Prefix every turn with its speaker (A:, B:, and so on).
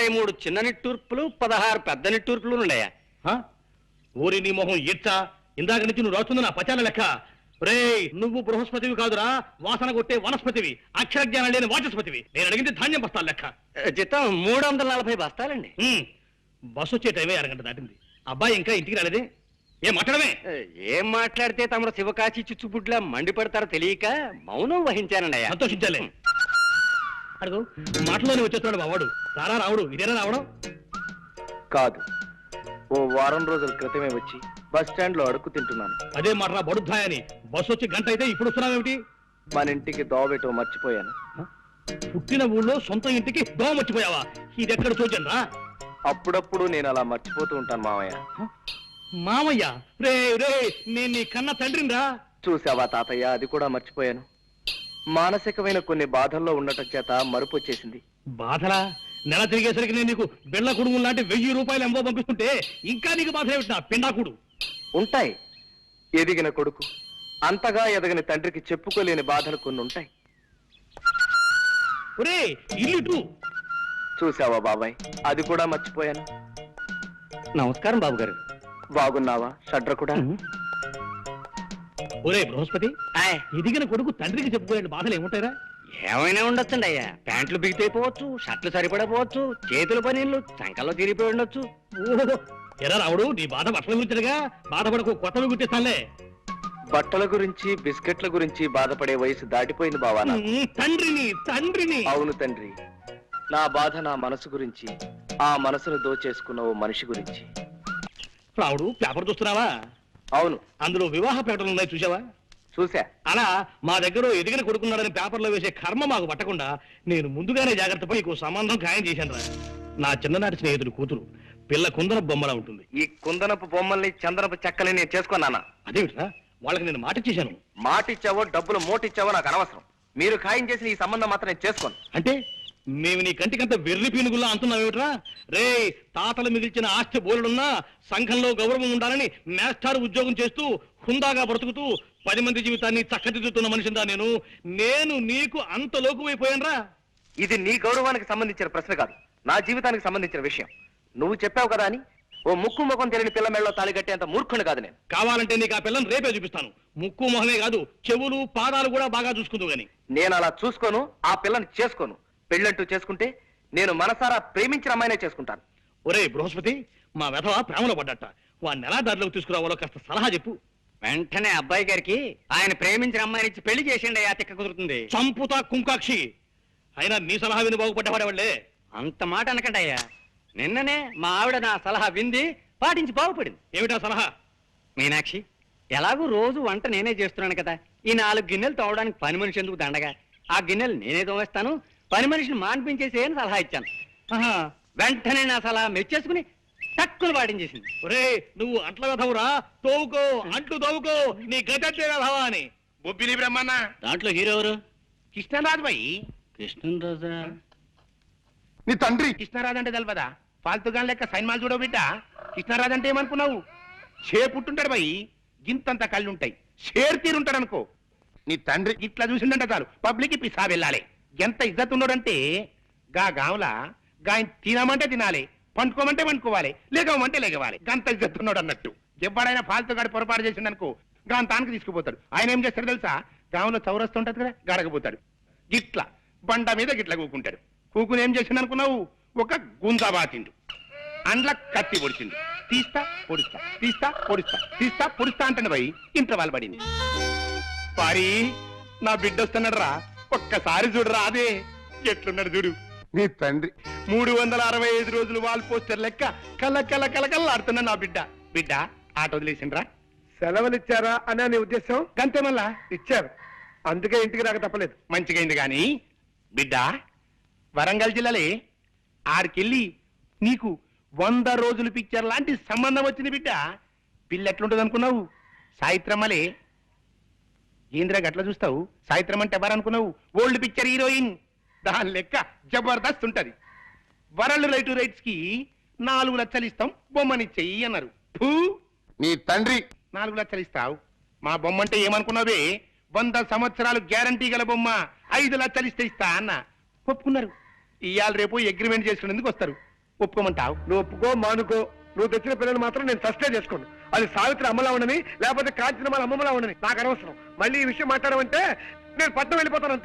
A: 23 చిన్న నిట్టూర్పులు 16 పెద్ద నిట్టూర్పులు ఉన్నాయా?
B: ఊరి నీ మొహం ఇచ్చా, ఇందాక నుంచి నువ్వు రాస్తుంది నా పచాల లెక్క. రే, నువ్వు బృహస్పతివి కాదురా, వాసన కొట్టే వనస్పతివి, అక్షర జ్ఞానం లేని వాచస్పతివి. నేను అడిగింది ధాన్యం బస్తాల లెక్క.
A: జీతం 340 బస్తాలండి.
B: బస్సు వచ్చే టైమే అరగంట దాటింది. అబ్బాయి ఇంకా ఇంటికి రాలేదే? ఏం మాట్లాడమే?
A: ఏం మాట్లాడితే తమరు శివకాశి చిచ్చుపుట్లా మండిపడతారో తెలియక మౌనం వహించానండి.
B: సంతోషించాలే. అడుగు, మాటలోనే వచ్చేస్తున్నాడు బావాడు. రారా రావుడు, ఇదేనా రావడం?
C: కాదు, ఓ వారం రోజుల క్రితమే వచ్చి బస్ స్టాండ్ లో అడుక్కు తింటున్నాను.
B: అదే మాట్రా బడుద్దాయని. బస్సు వచ్చి గంట అయితే ఇప్పుడు వస్తున్నావేమిటి?
C: మన ఇంటికి దోవబెట్టో మర్చిపోయాను.
B: పుట్టిన ఊళ్ళో సొంత ఇంటికి దోవ మర్చిపోయావా? ఇది ఎక్కడ చూచండి రా.
C: అప్పుడప్పుడు నేను అలా మర్చిపోతూ ఉంటాను మామయ్య.
B: మామయ్య? రే రే, నేను నీ కన్న తండ్రిని రా.
C: చూసావా తాతయ్య, అది కూడా మర్చిపోయాను. మానసికమైన కొన్ని బాధల్లో ఉండటం చేత మరుపు వచ్చేసింది.
B: బాధలా? నెల తిరిగేసరికి నేను నీకు బిళ్ళ కుడుము లాంటి 1000 రూపాయలు ఎంబో పంపిస్తుంటే ఇంకా నీకు బాధ ఏమిటి? పిండాకుడు
C: ఉంటాయి. ఎదిగిన కొడుకు అంతగా ఎదగని తండ్రికి చెప్పుకోలేని బాధలు కొన్ని ఉంటాయి.
B: ఒరే, ఇల్లు
C: చూసావా బాబాయ్, అది కూడా మర్చిపోయాను.
A: నమస్కారం బాబు గారు.
C: బాగున్నావా షడ్ర కూడా?
B: ఒరే బృహస్పతి, ఎదిగిన కొడుకు తండ్రికి చెప్పుకోలేని బాధలు ఏముంటాయిరా?
A: ఏమైనా ఉండొచ్చండి అయ్యా. ప్యాంట్లు బిగితైపోవచ్చు, షర్ట్లు సరిపడపోవచ్చు, చేతుల పనీళ్ళు సంకల్లో తిరిగిపోయి ఉండొచ్చు.
B: ఓహో, ఎరా రావుడు, నీ బాధ బట్టల గురించిగా. బాధపడకు, కొత్తవి గుర్తిస్తానులే.
C: బట్టల గురించి బిస్కెట్ల గురించి బాధపడే వయసు దాటిపోయింది బావా.
B: తండ్రిని.
C: అవును తండ్రి, నా బాధ నా మనసు గురించి, ఆ మనసును దోచేసుకున్న ఓ మనిషి గురించి.
B: రావుడు, పేపర్ చూస్తున్నావా?
C: అవును.
B: అందులో వివాహ ప్రకటనలు ఉన్నాయి, చూసావా?
C: చూసా.
B: అలా మా దగ్గర ఎదిగిన కొడుకున్నాడని పేపర్లో వేసే కర్మ మాకు పట్టకుండా నేను ముందుగానే జాగ్రత్త పడి నీకు సంబంధం ఖాయం చేశాను రా. నా చిన్ననాటి స్నేహితుడు కూతురు, పిల్ల కుందనపు బొమ్మలా ఉంటుంది.
C: ఈ కుందనపు బొమ్మల్ని చందనపు చెక్కల్ని నేను చేసుకున్నానా?
B: అదేమిట్రా, వాళ్ళకి నేను మాట ఇచ్చేశాను.
C: మాటిచ్చావో డబ్బులు మోటిచ్చావో నాకు అనవసరం. మీరు ఖాయం చేసిన ఈ సంబంధం మాత్రం నేను చేసుకోను.
B: అంటే మేము నీ కంటికంత వెర్రి పీనుగుల్లా అంటున్నావేమిట్రా? రే, తాతలు మిగిల్చిన ఆస్తి బోలుడున్నా సంఘంలో గౌరవం ఉండాలని మేస్టార్ ఉద్యోగం చేస్తూ హుందాగా బ్రతుకుతూ 10 మంది జీవితాన్ని చక్కదిద్దుతున్న మనిషిందా నేను నీకు అంత లోకువైపోయానరా?
C: ఇది నీ గౌరవానికి సంబంధించిన ప్రశ్న కాదు, నా జీవితానికి సంబంధించిన విషయం. నువ్వు చెప్పావు కదా అని ఓ ముక్కు ముఖం తెలియని పిల్ల మెళ్ళలో తాళి కట్టేంత మూర్ఖుని కాదు నేను.
B: కావాలంటే నీకు ఆ పిల్లని రేపే చూపిస్తాను. ముక్కు మొహమే కాదు, చెవులు పాదాలు కూడా బాగా చూసుకుందు గాని.
C: నేను అలా చూసుకోను, ఆ పిల్లని చేసుకోను. పెళ్ళంటూ చేసుకుంటే నేను మనసారా ప్రేమించిన అమ్మాయినే చేసుకుంటాను.
B: ఒరే బృహస్పతి, మా వెధవ ప్రేమలో పడ్డట. వాడిని ఎలా దారిలోకి తీసుకురావాలో కాస్త సలహా చెప్పు.
A: వెంటనే అబ్బాయి గారికి ఆయన ప్రేమించిన అమ్మాయిని ఇచ్చి పెళ్లి చేసిండి అయ్యా, తిక్క కుదురుతుంది.
B: చంపుతా కుంకాక్షి. అయినా నీ సలహా విని బాగుపడ్డవాడే.
A: అంత మాట అనకండి అయ్యా. నిన్ననే మా ఆవిడ నా సలహా వింది, పాటించి బాగుపడింది.
B: ఏమిటా సలహా?
A: మీనాక్షి, ఎలాగూ రోజు వంట నేనే చేస్తున్నాను కదా, ఈ 4 గిన్నెలు తోవడానికి పని మనిషి ఎందుకు దండగా? ఆ గిన్నెలు నేనే తోవేస్తాను, పని మనిషిని మాన్పించేసి అని సలహా ఇచ్చాను. వెంటనే నా సలహా మెచ్చేసుకుని టక్కులు పాటించేసింది.
B: ఒరే, నువ్వు అంట్ల వెధవురా, తోవుకో, అంట్లు తోవుకో, నీ గతంటే వెధవా అని.
D: బొబ్బిలి బ్రహ్మన్న
B: దాంట్లో హీరో ఎవరు?
D: కృష్ణరాజు బాయి.
B: కృష్ణరాజా?
D: నీ తండ్రి కృష్ణరాజు అంటే తెలపదా? ఫాల్తుగా లెక్క సైన్మాలు చూడవు బిడ్డ. కృష్ణరాజు అంటే ఏమనుకున్నావు? పుట్టుంటాడు బాయి, గింతంత కళ్ళు ఉంటాయి, షేర్ తీరుంటాడు అనుకో. నీ తండ్రి ఇట్లా చూసిందంటే చాలు పబ్లిక్ పిసా వెళ్ళాలి. ఎంత ఇజ్జత్ ఉన్నాడంటే గా గాంలా గాయ తినమంటే తినాలి, పండుకోమంటే పండుకోవాలి, లేగమంటే లేగవాలి. గంత ఇజ్జత్ ఉన్నాడు అన్నట్టు. ఎవడైనా ఫాల్తుగాడి పొరపాటు చేసిండు అనుకో, గాంతానికి తీసుకుపోతాడు. ఆయన ఏం చేస్తాడు తెలుసా? గాంలో చౌరస్తూ ఉంటది కదా, గడకపోతాడు. గిట్ల బండ మీద గిట్ల కూకుంటాడు. కూకుని ఏం చేసిండు అనుకున్నావు? ఒక గుంజా బాతిండు, అండ్ల కత్తి పొడిచిండు. తీస్తా పొడుస్తా, తీస్తా పొడుస్తా, తీస్తా పొడుస్తా అంటాడు పోయి ఇంట్లో వాళ్ళు పడింది. పారి, నా బిడ్డ వస్తున్నాడు రా, ఒక్కసారి చూడరా. అదే ఎట్లున్నాడు చూడు నీ తండ్రి. 365 రోజులు వాల్ పోస్టర్ లెక్క కల కల కలకల్లాడుతున్నా నా బిడ్డ. బిడ్డ ఆట వదిలేసిండ్రా?
E: సెలవులు ఇచ్చారా అనే నీ ఉద్దేశం?
D: గంతే మళ్ళా
E: ఇచ్చారు, అందుకే ఇంటికి రాక తప్పలేదు.
D: మంచిగైంది గాని బిడ్డ, వరంగల్ జిల్లాలే ఆడికెళ్ళి నీకు 100 రోజులు పిక్చర్ లాంటి సంబంధం వచ్చింది బిడ్డ. పిల్ల ఎట్లుంటుంది అనుకున్నావు? సాయిత్రమ్మలే. ఏంద్రా గట్లా చూస్తావు? సాయిత్రం అంటే ఎవరనుకున్నావు? Old picture heroine. దాని లెక్క జబర్దస్త్ ఉంటది. వరల్డ్ రైట్స్ కి 4 లక్షలు ఇస్తాం, బొమ్మనిచ్చేయి అన్నారు. నీ తండ్రి 4 లక్షలు ఇస్తావు, మా బొమ్మ అంటే ఏమనుకున్నావే? 100 సంవత్సరాలు గ్యారంటీ గల బొమ్మ, 5 లక్షలు ఇస్తే ఇస్తా అన్న. ఒప్పుకున్నారు. ఇవాళ రేపు అగ్రిమెంట్ చేసుకునేందుకు వస్తారు. ఒప్పుకోమంటావు?
E: నువ్వు ఒప్పుకో మానుకో, నువ్వు తెచ్చిన పిల్లలు మాత్రం నేను సస్టే చేసుకోను. అది సావిత్రి అమ్మలా ఉండని, లేకపోతే కాంచనమాల అమ్మమ్మలా ఉండని నాకు అనవసరం. మళ్ళీ ఈ విషయం మాట్లాడమంటే నేను పట్నం వెళ్ళిపోతాను.